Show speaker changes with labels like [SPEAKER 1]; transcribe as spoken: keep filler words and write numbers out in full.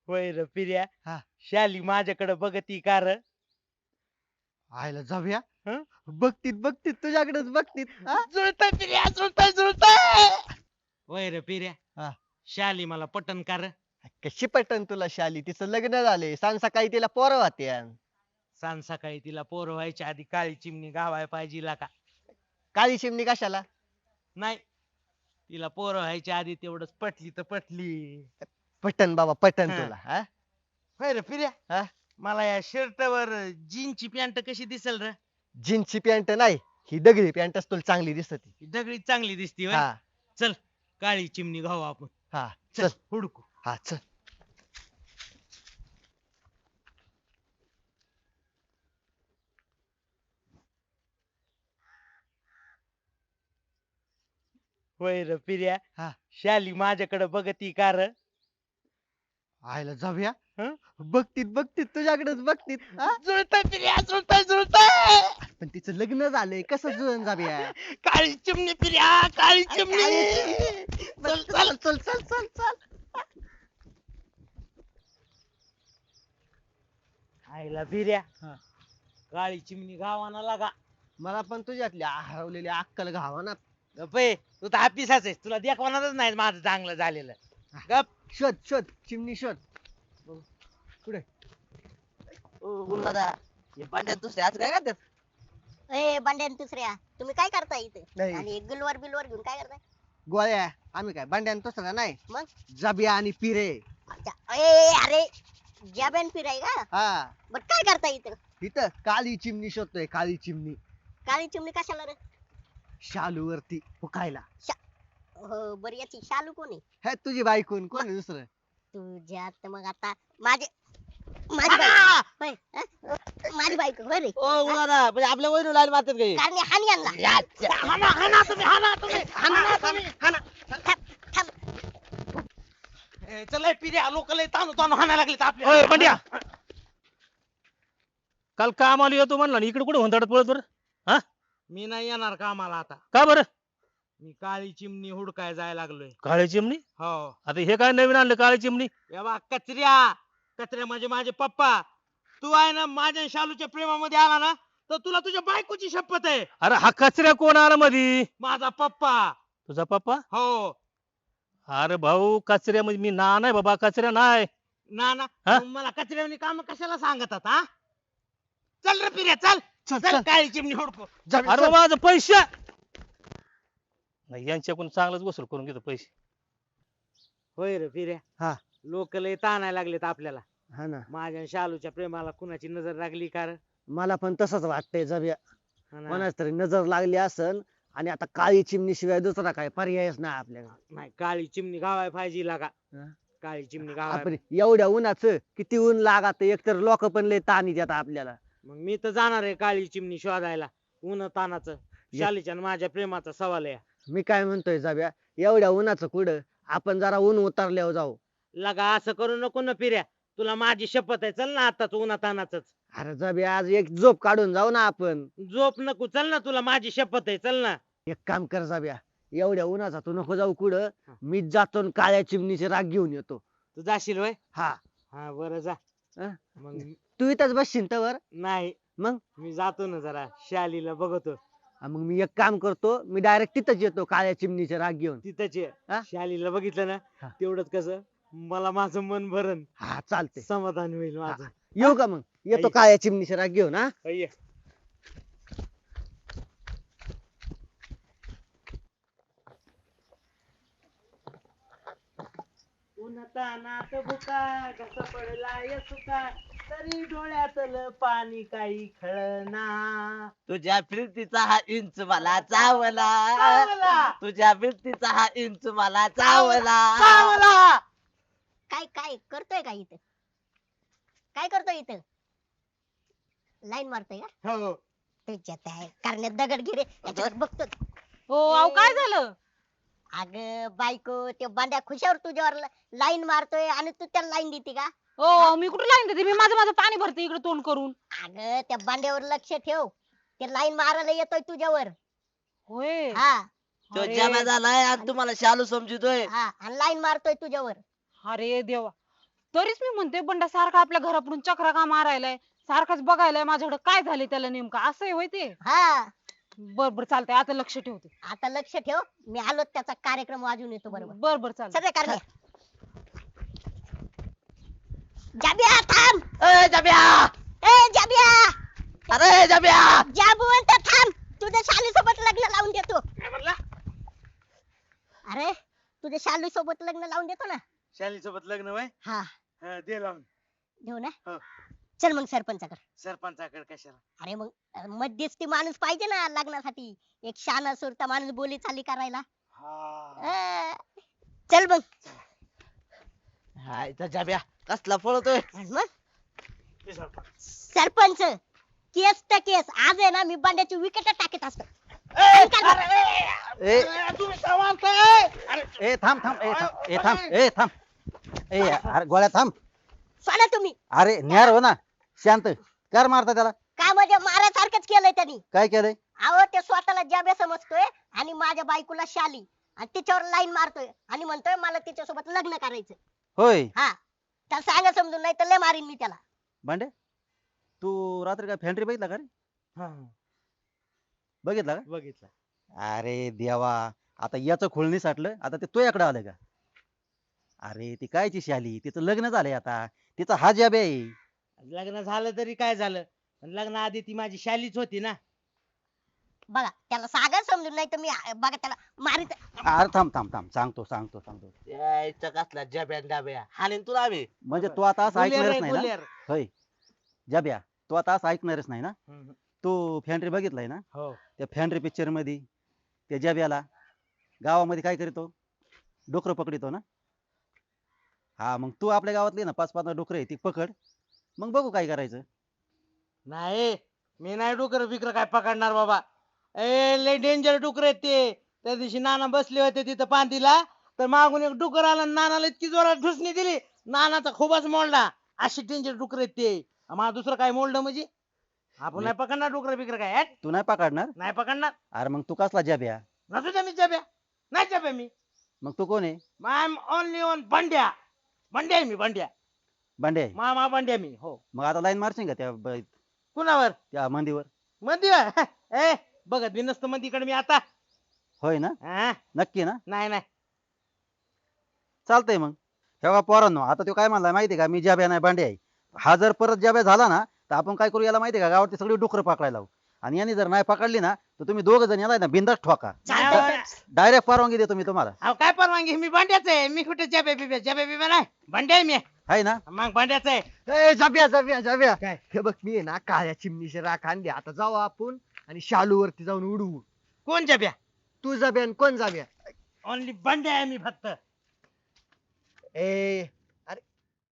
[SPEAKER 1] होय र पिर्या.
[SPEAKER 2] हा.
[SPEAKER 1] शाली माझ्याकडे बघती का र?
[SPEAKER 2] आयला जाऊया.
[SPEAKER 1] हं?
[SPEAKER 2] बघतीत बघतीत तुझ्याकडेच बघतीत हा?
[SPEAKER 1] जुळतंय पिर्या, जुळतंय, जुळतंय. होय र पिर्या.
[SPEAKER 2] हा.
[SPEAKER 1] शाली मला पटन का र?
[SPEAKER 2] कशी पटन तुला शाली? तिचं लग्न झाले सांग सकाळी तिला पोरं होत्या.
[SPEAKER 1] सांग सकाळी तिला पोर व्हायच्या आधी काळी चिमणी गावाय पाहिजे ला का?
[SPEAKER 2] काळी चिमणी कशाला?
[SPEAKER 1] नाही, तिला पोर व्हायच्या आधी तेवढंच पटली तर पटली.
[SPEAKER 2] पटन बाबा पटन
[SPEAKER 1] हा.
[SPEAKER 2] तुला हा?
[SPEAKER 1] होय र पिर्या.
[SPEAKER 2] हा?
[SPEAKER 1] मला या शर्टवर जीनची पॅन्ट कशी दिसेल र?
[SPEAKER 2] जीन्सची पॅन्ट नाही, ही दगडी पॅन्टच तुला चांगली दिसते.
[SPEAKER 1] ही दगडी चांगली दिसती होय.
[SPEAKER 2] हा
[SPEAKER 1] चल काळी चिमणी घाऊ आपण.
[SPEAKER 2] हा
[SPEAKER 1] चल
[SPEAKER 2] चल.
[SPEAKER 1] हुडकू.
[SPEAKER 2] हा चल.
[SPEAKER 1] होय र पिर्या.
[SPEAKER 2] हा.
[SPEAKER 1] शाली माझ्याकडे बघती का र?
[SPEAKER 2] आयला जाऊया.
[SPEAKER 1] हं?
[SPEAKER 2] बघतीत बघतीत तुझ्याकडेच बघतीत हा?
[SPEAKER 1] जुळतंय पिर्या, जुळतंय, जुळतंय.
[SPEAKER 2] पण तिचं लग्न झालंय कसं जुळून जाऊया?
[SPEAKER 1] काळी चिमणी पिर्या, काळी चिमणी. चल चल.
[SPEAKER 2] चल चल चल चल.
[SPEAKER 1] आईला पिर्या.
[SPEAKER 2] हा.
[SPEAKER 1] काळी चिमणी गावाना लागा.
[SPEAKER 2] मला पण तुझ्यातली हरवलेली अक्कल घावा ना.
[SPEAKER 1] गप्पे, तू तर हापिसाच आहेस, तुला देखवणारच नाही माझं चांगलं झालेलं. गप.
[SPEAKER 2] शोध शोध चिमणी शोध. कुठे?
[SPEAKER 3] दादा हे पांड्यात दुसरे आज काय करतात?
[SPEAKER 4] ए बंड्या दुसऱ्या तुम्ही काय करताय इथे
[SPEAKER 2] नाही.
[SPEAKER 4] आणि गुलवर बिलवर घेऊन काय करताय
[SPEAKER 2] गोळ्या आम्ही काय भांड्यान तसं नाही.
[SPEAKER 4] मग
[SPEAKER 2] जाबिया आणि पिरे.
[SPEAKER 4] अच्छा, ए अरे जॅबेन फिराय का
[SPEAKER 2] हा.
[SPEAKER 4] बर काय करताय इथे
[SPEAKER 2] इथं काळी चिमणी शोधतोय. काळी चिमणी
[SPEAKER 4] काळी चिमणी कशाला रे
[SPEAKER 2] शालू वरती फुकायला.
[SPEAKER 4] हो बर याची शालू कोणी
[SPEAKER 2] हे तुझी बायकून कोण आहे दुसरं?
[SPEAKER 4] तुझ्यात मग आता माझे माझी बायको होय, हं? माझी बायको होय रे
[SPEAKER 3] ओ दादा म्हणजे आपल्या वहिनी लाईन मारतात काही
[SPEAKER 4] कारण हानी आणला
[SPEAKER 1] हाना हाना तुम्ही हाना तुम्ही हाना तुम्ही हाना.
[SPEAKER 4] थांब थांब
[SPEAKER 1] ए, चल ए, पिर्या लोक लय ताणू ताणू हाणायला लागले आपल्या.
[SPEAKER 5] बंड्या काल काम आलो येतो म्हणला इकडे कुठे हुंदडत पळत बरं? हा
[SPEAKER 1] मी नाही येणार कामाला आता.
[SPEAKER 5] का बरं?
[SPEAKER 1] मी काळी चिमणी हुडकाय जायला लागलोय.
[SPEAKER 5] काळी चिमणी?
[SPEAKER 1] हो.
[SPEAKER 5] आता हे काय नवीन आणलं काळी चिमणी?
[SPEAKER 1] या बा कचऱ्या, कचऱ्या म्हणजे माझे पप्पा. तू आहे ना माझ्या आणि शालूच्या प्रेमामध्ये आला ना तर तुला तुझ्या बायकोची शपथ आहे.
[SPEAKER 5] अरे हा कचऱ्या कोण आला मधी?
[SPEAKER 1] माझा पप्पा.
[SPEAKER 5] तुझा पप्पा?
[SPEAKER 1] हो.
[SPEAKER 5] अरे भाऊ कचऱ्या म्हणजे मी ना नाही बाबा कचऱ्या नाही.
[SPEAKER 1] ना ना
[SPEAKER 5] हा?
[SPEAKER 1] मग मला कचऱ्यावनी काम कशाला सांगतात हा? चल रे पिर्या चल.
[SPEAKER 2] चल
[SPEAKER 1] चल
[SPEAKER 2] चल.
[SPEAKER 1] काळी चिमणी हुडको.
[SPEAKER 2] जाबिया,
[SPEAKER 5] अरे
[SPEAKER 2] चल.
[SPEAKER 5] बाबा माझं पैसे नाही यांच्याकडून चांगलंच वसूल करून घेतो पैसे.
[SPEAKER 1] होय रे पिर्या.
[SPEAKER 2] हा.
[SPEAKER 1] लोक लय ताणायला लागलेत आपल्याला.
[SPEAKER 2] हा ना.
[SPEAKER 1] माझ्या आणि शालूच्या प्रेमाला कुणाची नजर लागली का रे?
[SPEAKER 2] मला पण तसंच वाटतंय जाबिया.
[SPEAKER 1] हा ना.
[SPEAKER 2] कोणाच तरी नजर लागली असन आणि आता काळी चिमणी शिवाय दुसरा काय पर्यायच नाही आपल्याला.
[SPEAKER 1] नाही काळी चिमणी गावाय पाहिजे लागा.
[SPEAKER 2] हा?
[SPEAKER 1] काळी चिमणी गावाय.
[SPEAKER 2] आपण एवढ्या उन्हाचं किती ऊन लागत एकतर लोक पण लय ताणी देतात आपल्याला.
[SPEAKER 1] मग मी तर जाणार आहे काळी चिमणी शोधायला. ऊन तानाचं शालीच्या आणि माझ्या प्रेमाचा सवाल आहे.
[SPEAKER 2] मी काय म्हणतोय जाब्या एवढ्या उन्हाचं कुठं आपण जरा ऊन उतरल्यावर जाऊ.
[SPEAKER 1] लगा असं करू नको ना पिर्या. तुला माझी शपथ आहे चल ना आताच उन्हा तानाच.
[SPEAKER 2] अरे जाब्या आज एक झोप काढून जाऊ ना आपण.
[SPEAKER 1] झोप नको चल ना तुला माझी शपथ आहे चल ना.
[SPEAKER 2] एक काम कर जाब्या एवढ्या उन्हाचा तू नको जाऊ कुठं. मीच जातो आणि काळ्या चिमणीचे राग घेऊन येतो.
[SPEAKER 1] तू जाशील वय.
[SPEAKER 2] हा.
[SPEAKER 1] हा बरं जा.
[SPEAKER 2] अं?
[SPEAKER 1] मग
[SPEAKER 2] तू इथंच बसशील तर
[SPEAKER 1] नाही
[SPEAKER 2] मग
[SPEAKER 1] मी जातो ना जरा शालीला बघतो.
[SPEAKER 2] हा, मग मी एक काम करतो मी डायरेक्ट तिथंच येतो काळ्या चिमणीचे राग घेऊन.
[SPEAKER 1] तिथंच ये.
[SPEAKER 2] हा?
[SPEAKER 1] शालीला बघितलं ना
[SPEAKER 2] हा.
[SPEAKER 1] तेवढंच कसं मला माझं मन भरण
[SPEAKER 2] हा चालते.
[SPEAKER 1] समाधान होईल माझं.
[SPEAKER 2] येऊ का मग येतो
[SPEAKER 1] आई.
[SPEAKER 2] काळ्या चिमणीचे राग घेऊन. हा
[SPEAKER 1] ये. उन्हातानात भुका घसा पडलाय सुका तरी डोळ्यातलं पाणी काही खळना.
[SPEAKER 3] तुझ्या फिरतीचा हा इंच मला चावला
[SPEAKER 1] चावला.
[SPEAKER 3] तुझ्या फिरतीचा हा इंच मला चावला
[SPEAKER 1] चावला.
[SPEAKER 4] काय काय करतोय का इथं काय करतोय इथं लाईन मारतोय का
[SPEAKER 1] हो.
[SPEAKER 4] त्याच्यात आहे करण्यात दगड गिरे याच्यावर बघतो
[SPEAKER 6] हो अहो काय झालं?
[SPEAKER 4] अग बायको ते बांड्या खुशावर तुझ्यावर लाईन मारतोय आणि तू त्याला लाईन देते का
[SPEAKER 6] हो मी कुठे लाईन देते? मी माझं माझं पाणी भरते इकडे तोंड करून.
[SPEAKER 4] अग त्या बांड्यावर लक्ष ठेव ते लाईन मारायला येतोय तुझ्यावर.
[SPEAKER 6] होय.
[SPEAKER 4] हा
[SPEAKER 3] तो
[SPEAKER 6] अरे.
[SPEAKER 3] जमा झालाय आणि तुम्हाला शालू समजितोय.
[SPEAKER 4] हा आणि लाईन मारतोय तुझ्यावर.
[SPEAKER 6] अरे देवा तरीच मी म्हणते बंडा सारखा आपल्या घरापुढून चक्रा का मारायलाय, सारखाच बघायलाय माझ्याकडे काय झाले त्याला नेमकं, असं आहे होय ते.
[SPEAKER 4] हा
[SPEAKER 6] बर बर चालतंय, आता लक्ष ठेवते.
[SPEAKER 4] आता लक्ष ठेव, मी आलो त्याचा कार्यक्रम वाजून येतो बरोबर.
[SPEAKER 6] बर बर चालतंय.
[SPEAKER 4] सगळे कारण जाबिया थांब.
[SPEAKER 3] ए जाब्या,
[SPEAKER 4] ए जाबिया,
[SPEAKER 3] अरे जाब्या,
[SPEAKER 4] जाबुवंत थांब, तुझ्या शाली सोबत लग्न लावून देतो.
[SPEAKER 1] काय म्हणला?
[SPEAKER 4] अरे तुझ्या शाली सोबत लग्न लावून देतो ना.
[SPEAKER 1] शाली सोबत लग्न वय
[SPEAKER 4] हा
[SPEAKER 1] हा, दे लावून.
[SPEAKER 4] देऊ ना.
[SPEAKER 1] हो.
[SPEAKER 4] चल मग सरपंचाकडे.
[SPEAKER 1] सरपंचाकडे कशाला?
[SPEAKER 4] अरे मग अं, मध्यस्थी माणूस पाहिजे ना लग्नासाठी, एक शाना सुरता माणूस बोली चाली करायला.
[SPEAKER 1] हा
[SPEAKER 4] अं, चल मग.
[SPEAKER 3] हाय त्या जाब्या कसला पळतोय.
[SPEAKER 4] आणि मग
[SPEAKER 1] ते सरपंच.
[SPEAKER 4] सरपंच केस तर केस, आज आहे ना मी बांड्याची विकेट टाकीत असतो.
[SPEAKER 1] ए,
[SPEAKER 4] कर.
[SPEAKER 1] अरे,
[SPEAKER 2] ए
[SPEAKER 1] अरे, तुम्ही काय मारताय? अरे,
[SPEAKER 2] ए थांब थांब ए थांब ए थांब ए थांब ए अरे गोळ्या थांब.
[SPEAKER 4] सोडा तुम्ही.
[SPEAKER 2] अरे न्यार हो ना, शांत कर. मारता त्याला?
[SPEAKER 4] काय म्हणजे मारासारखंच केलंय त्यांनी.
[SPEAKER 2] काय केलंय?
[SPEAKER 4] अहो ते स्वतःला जाब्या समजतोय आणि माझ्या बायकोला शाली, आणि तिच्यावर लाईन मारतोय आणि म्हणतोय मला तिच्यासोबत लग्न करायचं.
[SPEAKER 2] होय
[SPEAKER 4] हा तर सांगा समजून, नाही तर लय मारीन मी त्याला.
[SPEAKER 2] भांडे, तू रात्री काय फॅन्ट्री बघितला का रे?
[SPEAKER 1] हा,
[SPEAKER 2] बघितला का?
[SPEAKER 1] बघितलं.
[SPEAKER 2] अरे देवा, आता याचं खोळणी साठलं, आता ते तुझ्याकडे आलं का? अरे ती कायची शाली, तिचं लग्न झालंय आता, तिचा हा जाब आहे.
[SPEAKER 1] लग्न झालं तरी काय झालं, पण लग्नाआधी ती माझी शालीच होती ना.
[SPEAKER 4] बघा त्याला सांगा समजून, नाही तर मी आ- बघा त्याला मारित.
[SPEAKER 2] अरे थांब थांब थांब सांगतो सांगतो सांगतो.
[SPEAKER 3] यायचं कसला जाब्या डाब्या हाणीन तुला आम्ही.
[SPEAKER 2] म्हणजे तू आता असं
[SPEAKER 1] गुलेर
[SPEAKER 2] ऐकणारच
[SPEAKER 1] आहे,
[SPEAKER 2] नाही ना?
[SPEAKER 1] गुलेर.
[SPEAKER 2] होय जाब्या, तू आता असं ऐकणारच नाही ना?
[SPEAKER 1] हम्म,
[SPEAKER 2] तू फॅन्ट्री बघितलाय ना?
[SPEAKER 1] हो.
[SPEAKER 2] त्या फॅन्ट्री पिक्चर मध्ये त्या जाब्याला गावामध्ये काय करतो? डोकर पकडितो ना? हा मग तू आपल्या गावातली ना पाच पाच डोकर आहे ती पकड, मग बघू काय करायचं.
[SPEAKER 1] नाही, मी नाही डुकर बिकर काय पकडणार बाबा. ए लय डेंजर डुकर आहेत ते. त्या दिवशी नाना बसले होते तिथं पांतीला, तर मागून एक डुकर आला आणि नानाला इतकी जोरात ढुसणी दिली, नानाचा खूपच मोडला. अशी डेंजर डुकर आहेत ते. आम्हाला दुसरं काय मोडलं म्हणजे? आपण नाही पकडणार डुकर बिकर काय. हॅट,
[SPEAKER 2] तू नाही पकडणार?
[SPEAKER 1] नाही पकडणार.
[SPEAKER 2] अरे मग तू कसला जाब्या?
[SPEAKER 1] नसू द्या, मी जब्या नाही जब्या मी.
[SPEAKER 2] मग तू कोण आहे?
[SPEAKER 1] I am only on Bandya. Bandya आहे मी, बंड्या.
[SPEAKER 2] भांडे,
[SPEAKER 1] मामा बंड्या मी. हो.
[SPEAKER 2] मग आता लाईन मारशील का त्या ब-
[SPEAKER 1] कुणावर?
[SPEAKER 2] त्या मंदीवर?
[SPEAKER 1] मंदी ए बघत मी नसतं मंदीकडे मी आता.
[SPEAKER 2] होय ना?
[SPEAKER 1] हा,
[SPEAKER 2] नक्की ना?
[SPEAKER 1] नाही नाही.
[SPEAKER 2] चालतंय मग. हे बघा पोरांनो, आता तो काय म्हणलाय माहितीये का, मी जाब्या नाही भांडे आहे. हा जर परत जाब्या झाला ना, तर आपण काय करू याला माहितीये का, गावातली सगळी डुकरं पकडायला लावू, आणि यांनी जर नाही पकडली ना, तर तुम्ही दोघ जण याला ना बिंदास ठोका.
[SPEAKER 4] चालतंय.
[SPEAKER 2] डायरेक्ट परवानगी देतो मी तुम्हाला.
[SPEAKER 1] अहो काय परवानगी, मी भांड्याच आहे. मी कुठे जब्या बिब्या जब्या बिब्या नाही, भांड्या आहे मी.
[SPEAKER 2] आहे ना?
[SPEAKER 1] मग भांड्याच आहे.
[SPEAKER 7] ए जाब्या जाब्या जाब्या,
[SPEAKER 1] काय?
[SPEAKER 7] हे बघ मी आहे ना काळ्या चिमणीचे राख आणले, आता जाऊ आपण आणि शालू वरती जाऊन उडवू.
[SPEAKER 1] कोण जब्या?
[SPEAKER 7] तू जाब्या आणि कोण जाब्या?
[SPEAKER 1] ओनली भांड्या आहे मी फक्त.
[SPEAKER 7] ए